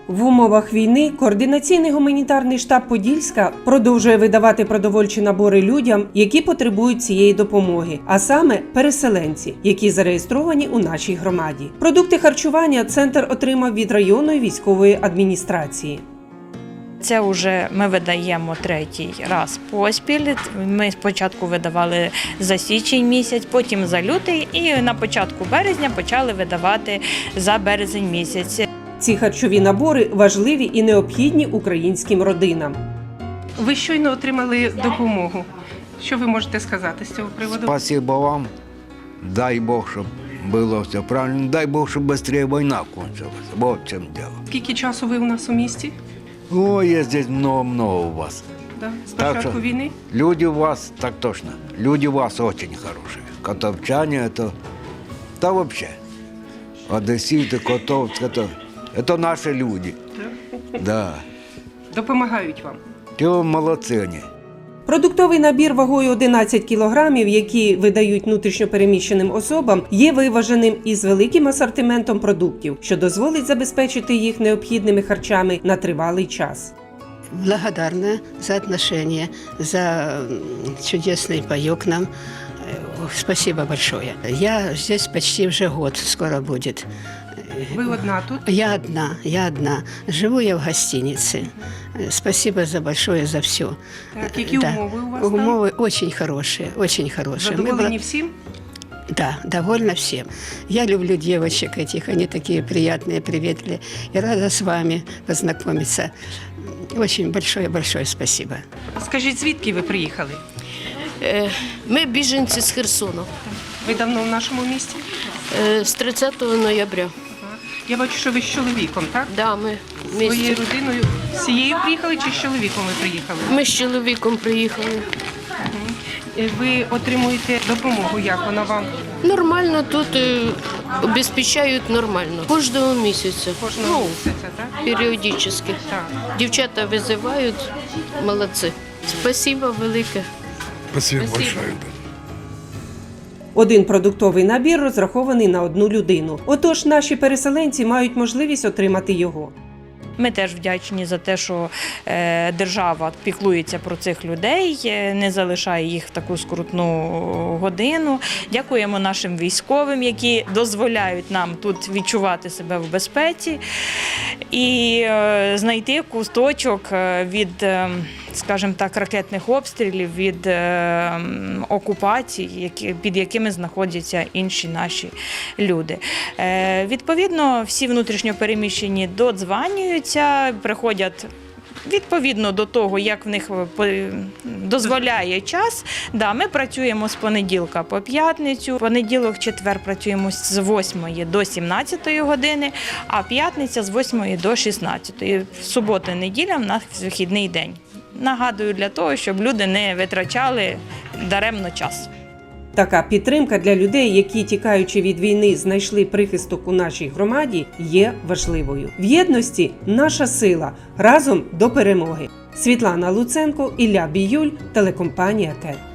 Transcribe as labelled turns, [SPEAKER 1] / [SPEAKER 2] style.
[SPEAKER 1] В умовах війни координаційний гуманітарний штаб Подільська продовжує видавати продовольчі набори людям, які потребують цієї допомоги, а саме переселенці, які зареєстровані у нашій громаді. Продукти харчування центр отримав від районної військової адміністрації.
[SPEAKER 2] Це вже ми видаємо третій раз поспіль. Ми спочатку видавали за січень місяць, потім за лютий і на початку березня почали видавати за березень місяць.
[SPEAKER 1] Ці харчові набори важливі і необхідні українським родинам. Ви щойно отримали допомогу. Що ви можете сказати з цього приводу?
[SPEAKER 3] Спасибо вам. Дай Бог, щоб було все правильно. Дай Бог, щоб швидше війна кончилась. Вот в чому діло.
[SPEAKER 1] Скільки часу ви у нас у місті?
[SPEAKER 3] Ой, є здесь много-много у вас.
[SPEAKER 1] Да, з початку війни?
[SPEAKER 3] Люди у вас, так точно, люди у вас очень хорошие. Котовчане, это вообще. Одесситы, Котовск, это наши люди. Да.
[SPEAKER 1] Допомагають вам?
[SPEAKER 3] Ті молодці вони.
[SPEAKER 1] Продуктовий набір вагою 11 кілограмів, які видають внутрішньопереміщеним особам, є виваженим із великим асортиментом продуктів, що дозволить забезпечити їх необхідними харчами на тривалий час.
[SPEAKER 4] Благодарна за отношения, за чудесный паёк нам. Спасибо большое. Я здесь почти уже год, скоро будет.
[SPEAKER 1] Ви одна тут?
[SPEAKER 4] Я одна. Живу я в гостинице. Спасибо за большое, за все.
[SPEAKER 1] Так, які умови у вас там?
[SPEAKER 4] Умовы очень хорошие, очень хорошие.
[SPEAKER 1] Задоволені всім?
[SPEAKER 4] Да, довольно всем. Я люблю девочек этих, они такие приятные, приветливые. И рада с вами познакомиться. Очень большое спасибо.
[SPEAKER 1] Скажіть, звідки ви приїхали?
[SPEAKER 5] Ми біженці з Херсону
[SPEAKER 1] Ви давно в нашому місті?
[SPEAKER 5] з 30 ноября.
[SPEAKER 1] Я бачу, що ви з чоловіком, так?
[SPEAKER 5] Да, ми
[SPEAKER 1] Своєю
[SPEAKER 5] вместе.
[SPEAKER 1] родиною всією приїхали чи з чоловіком ви приїхали?
[SPEAKER 5] Ми з чоловіком приїхали.
[SPEAKER 1] Ви отримуєте допомогу, як вона вам?
[SPEAKER 5] Нормально тут обезпечають нормально. Кожного місяця.
[SPEAKER 1] Кожного місяця, так?
[SPEAKER 5] Періодично.
[SPEAKER 1] Так.
[SPEAKER 5] Дівчата визивають, молодці. Спасибо велике.
[SPEAKER 6] Спасибо большое.
[SPEAKER 1] Один продуктовий набір розрахований на одну людину. Отож, наші переселенці мають можливість отримати його.
[SPEAKER 2] Ми теж вдячні за те, що держава піклується про цих людей, не залишає їх в таку скрутну годину. Дякуємо нашим військовим, які дозволяють нам тут відчувати себе в безпеці і знайти кусточок від, скажімо так, ракетних обстрілів, від окупацій, під якими знаходяться інші наші люди. Відповідно, всі внутрішньопереміщені додзванюються, приходять відповідно до того, як в них дозволяє час. Да, ми працюємо з понеділка по п'ятницю, понеділок, четвер працюємо з 8 до 17 години, а п'ятниця з 8 до 16. Субота, неділя в нас вихідний день. Нагадую, для того, щоб люди не витрачали даремно час.
[SPEAKER 1] Така підтримка для людей, які, тікаючи від війни, знайшли прихисток у нашій громаді, є важливою. В єдності – наша сила. Разом до перемоги. Світлана Луценко, Ілля Біюль, телекомпанія КЕТ.